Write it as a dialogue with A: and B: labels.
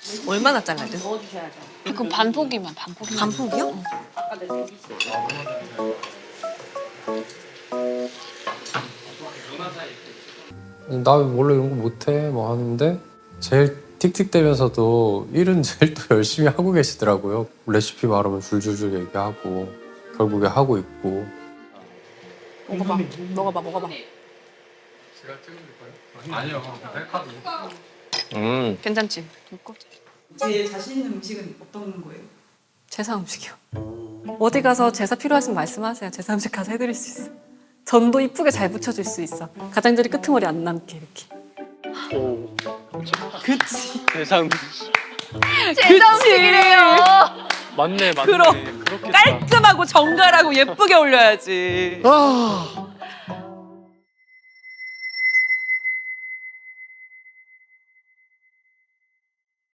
A: 얼마나 잘라야 돼?
B: 그럼 반포기만.
A: 반폭이요?
C: 나 원래 이런 거 못해 뭐 하는데 제일 틱틱대면서도 일은 제일 또 열심히 하고 계시더라고요. 레시피 말하면 줄줄줄 얘기하고 결국에 하고 있고.
A: 먹어봐.
C: 제가 찍어드릴까요? 아니요.
A: 괜찮지?
D: 제일 자신 있는 음식은 어떤 거예요?
E: 제사 음식이요. 어디 가서 제사 필요하시면 말씀하세요. 제사 음식 가서 해드릴 수 있어. 전도 이쁘게 잘 붙여줄 수 있어. 가장자리 끄트머리 안 남게 이렇게.
F: 세상
A: 음식이래요.
F: 맞네.
A: 그렇겠다. 깔끔하고 정갈하고 예쁘게 올려야지.